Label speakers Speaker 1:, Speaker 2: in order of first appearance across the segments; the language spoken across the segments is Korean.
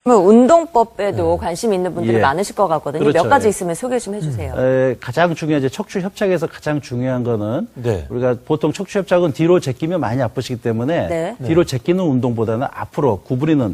Speaker 1: 운동법에도 관심 있는 분들이
Speaker 2: 예.
Speaker 1: 많으실 것 같거든요.
Speaker 2: 그렇죠.
Speaker 1: 몇 가지
Speaker 2: 예.
Speaker 1: 있으면 소개 좀 해주세요.
Speaker 2: 가장 중요한 척추 협착에서 가장 중요한 거는
Speaker 3: 네.
Speaker 2: 우리가 보통 척추 협착은 뒤로 제끼면 많이 아프시기 때문에
Speaker 1: 네.
Speaker 2: 뒤로 제끼는 운동보다는 앞으로 구부리는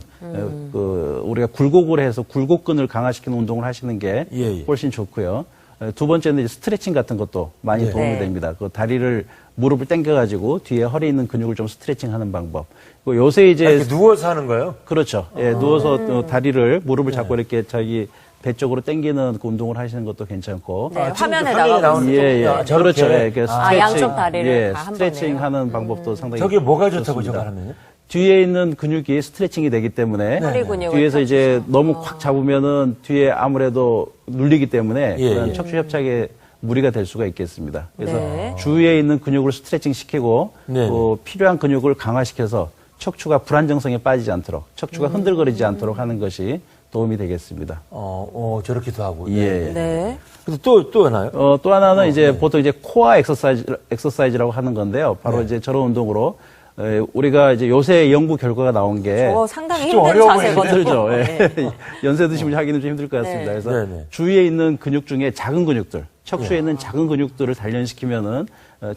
Speaker 2: 우리가 굴곡을 해서 굴곡근을 강화시키는 운동을 하시는 게
Speaker 3: 예.
Speaker 2: 훨씬 좋고요. 두 번째는 이제 스트레칭 같은 것도 많이
Speaker 3: 네.
Speaker 2: 도움이
Speaker 1: 네.
Speaker 2: 됩니다. 그 다리를 무릎을 당겨가지고 뒤에 허리 있는 근육을 좀 스트레칭하는 방법. 그리고 요새 이제
Speaker 3: 이렇게 누워서 하는 거예요?
Speaker 2: 그렇죠. 예, 누워서 다리를 무릎을 잡고 이렇게 자기 배 쪽으로 당기는 그 운동을 하시는 것도 괜찮고.
Speaker 1: 네,
Speaker 3: 지금
Speaker 1: 화면에
Speaker 3: 화면에
Speaker 1: 나가고
Speaker 3: 나오는
Speaker 1: 있어요.
Speaker 2: 예, 예.
Speaker 3: 아, 저렇게?
Speaker 2: 그렇죠. 예, 그 스트레칭.
Speaker 1: 양쪽 다리를
Speaker 2: 예,
Speaker 1: 다 한
Speaker 2: 스트레칭
Speaker 1: 번에요?
Speaker 2: 하는 방법도 상당히.
Speaker 3: 저게 뭐가 좋다고
Speaker 2: 좋습니다.
Speaker 3: 저거 하면요?
Speaker 2: 뒤에 있는 근육이 스트레칭이 되기 때문에
Speaker 1: 허리 근육을
Speaker 2: 뒤에서 이제
Speaker 1: 펴주죠.
Speaker 2: 너무 콱 잡으면은 뒤에 아무래도 눌리기 때문에
Speaker 3: 예,
Speaker 2: 그런
Speaker 3: 예.
Speaker 2: 척추 협착에 무리가 될 수가 있겠습니다. 그래서
Speaker 1: 네.
Speaker 2: 주위에 있는 근육을 스트레칭 시키고
Speaker 3: 네.
Speaker 2: 필요한 근육을 강화시켜서 척추가 불안정성에 빠지지 않도록 척추가 흔들거리지 않도록 하는 것이 도움이 되겠습니다.
Speaker 3: 저렇게도 하고.
Speaker 2: 예.
Speaker 1: 네.
Speaker 3: 근데 또 하나요?
Speaker 2: 또 하나는 이제
Speaker 3: 네.
Speaker 2: 보통 이제 코어 엑서사이즈라고 하는 건데요. 바로
Speaker 3: 네.
Speaker 2: 이제 저런 운동으로 우리가 이제 요새 연구 결과가 나온 게
Speaker 1: 저거 상당히
Speaker 3: 좀
Speaker 1: 힘든
Speaker 3: 어려워
Speaker 1: 자세거든요.
Speaker 2: 힘들죠. 예.
Speaker 1: 네.
Speaker 2: 연세 드시면 하기는 좀 힘들 것 같습니다.
Speaker 1: 네.
Speaker 2: 그래서
Speaker 3: 네, 네.
Speaker 2: 주위에 있는 근육 중에 작은 근육들, 척추에 있는 작은 근육들을 단련시키면은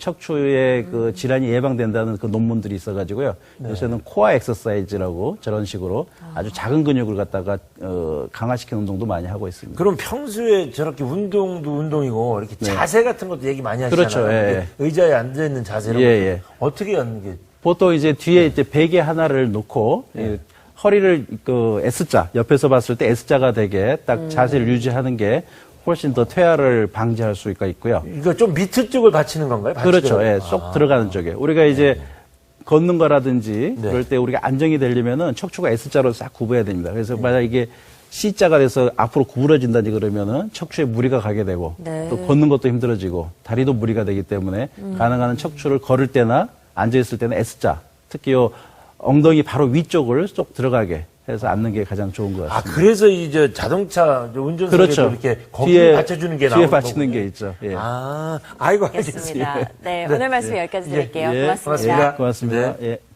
Speaker 2: 척추의 그 질환이 예방된다는 그 논문들이 있어가지고요. 요새는 코어 엑서사이즈라고 저런 식으로 아주 작은 근육을 갖다가 강화시키는 운동도 많이 하고 있습니다.
Speaker 3: 그럼 평소에 저렇게 운동도 운동이고 이렇게 자세 같은 것도 얘기 많이 하시잖아요.
Speaker 2: 그렇죠. 예.
Speaker 3: 의자에 앉아 있는 자세를
Speaker 2: 예.
Speaker 3: 어떻게 하는 게
Speaker 2: 보통 이제 뒤에 이제 베개 하나를 놓고 이 허리를 그 S자 옆에서 봤을 때 S자가 되게 딱 자세를 유지하는 게 훨씬 더 퇴화를 방지할 수가 있고요.
Speaker 3: 이거 좀 밑에 쪽을 받치는 건가요?
Speaker 2: 그렇죠.
Speaker 3: 받치더라도?
Speaker 2: 예, 쏙 들어가는 쪽에. 우리가 이제 걷는 거라든지
Speaker 3: 네.
Speaker 2: 그럴 때 우리가 안정이 되려면은 척추가 S자로 싹 굽어야 됩니다. 그래서 만약 이게 C자가 돼서 앞으로 구부러진다든지 그러면은 척추에 무리가 가게 되고
Speaker 1: 네.
Speaker 2: 또 걷는 것도 힘들어지고 다리도 무리가 되기 때문에 가능한 척추를 걸을 때나 앉아있을 때는 S자, 특히 요 엉덩이 바로 위쪽을 쏙 들어가게 해서 앉는 게 가장 좋은 것 같습니다.
Speaker 3: 그래서 이제 자동차 운전석에도
Speaker 2: 그렇죠.
Speaker 3: 이렇게 거기에 받쳐주는 게
Speaker 2: 뒤에
Speaker 3: 나오는
Speaker 2: 받치는
Speaker 3: 거군요.
Speaker 2: 게 있죠. 예.
Speaker 3: 아이고,
Speaker 1: 알겠습니다.
Speaker 3: 알겠습니다.
Speaker 1: 네, 오늘 말씀 여기까지 드릴게요.
Speaker 2: 예,
Speaker 1: 고맙습니다.
Speaker 3: 고맙습니다.
Speaker 2: 고맙습니다.
Speaker 3: 네.
Speaker 2: 예.